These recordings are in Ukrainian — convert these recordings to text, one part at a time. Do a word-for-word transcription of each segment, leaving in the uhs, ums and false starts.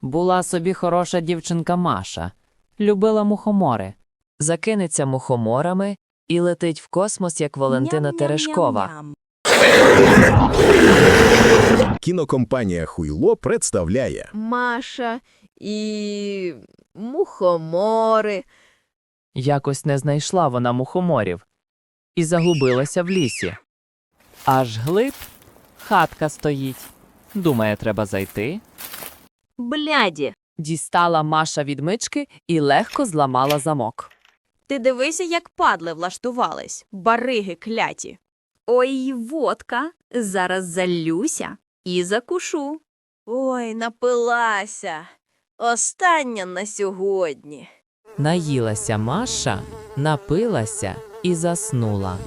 Була собі хороша дівчинка Маша. Любила мухомори. Закинеться мухоморами і летить в космос, як Валентина Терешкова. Кінокомпанія «Хуйло» представляє Маша і мухомори. Якось не знайшла вона мухоморів і загубилася в лісі. Аж глиб хатка стоїть. Думає, треба зайти. Бляді, Дістала Маша відмички і легко зламала замок. ти дивися, як падли влаштувались, бариги кляті. Ой, водка, зараз залюся і закушу. Ой, напилася. Остання на сьогодні. Наїлася Маша, напилася і заснула.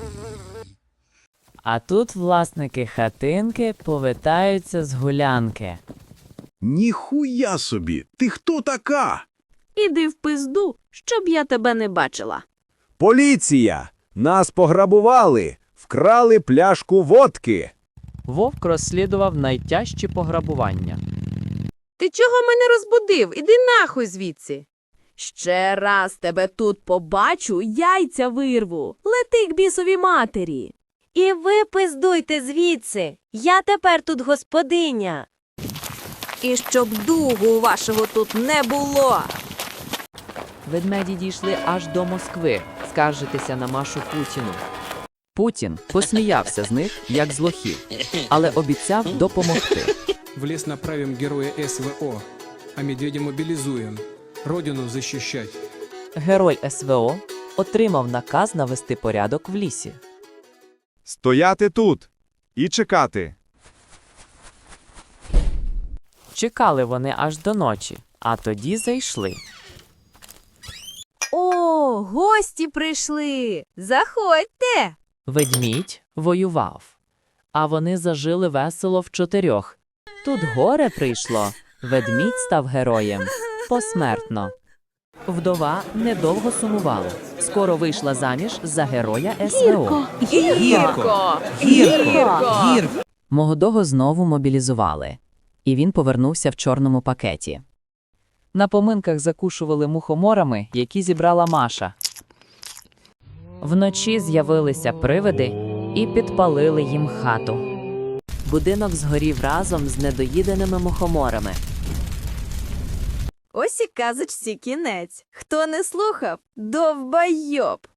А тут власники хатинки повертаються з гулянки. «Ніхуя собі! Ти хто така?» Іди в пизду, щоб я тебе не бачила. Поліція! Нас пограбували! Вкрали пляшку водки! Вовк розслідував найтяжчі пограбування. Ти чого мене розбудив? Іди нахуй звідси. Ще раз тебе тут побачу, яйця вирву. Лети к бісовій матері. І ви пиздуйте звідси. Я тепер тут господиня. І щоб дугу вашого тут не було. Ведмеді дійшли аж до Москви скаржитися на Машу Путіну. Путін посміявся з них, як з лохів, але обіцяв допомогти. В лес направим героя СВО, а медведя мобилизуем. Родину защищать. Герой СВО отримав наказ навести порядок в лісі. Стояти тут і чекати. Чекали вони аж до ночі, а тоді зайшли. О, гості прийшли. Заходьте. Ведмідь воював, а вони зажили весело в чотирьох. Тут горе прийшло, ведмідь став героєм посмертно. Вдова недовго сумувала. Скоро вийшла заміж за героя СВО. Гірко. Гірко. Молодого знову мобілізували, і він повернувся в чорному пакеті. На поминках закушували мухоморами, які зібрала Маша. Вночі з'явилися привиди і підпалили їм хату. Будинок згорів разом з недоїденими мухоморами. Ось і казочці кінець. Хто не слухав, довбайоб.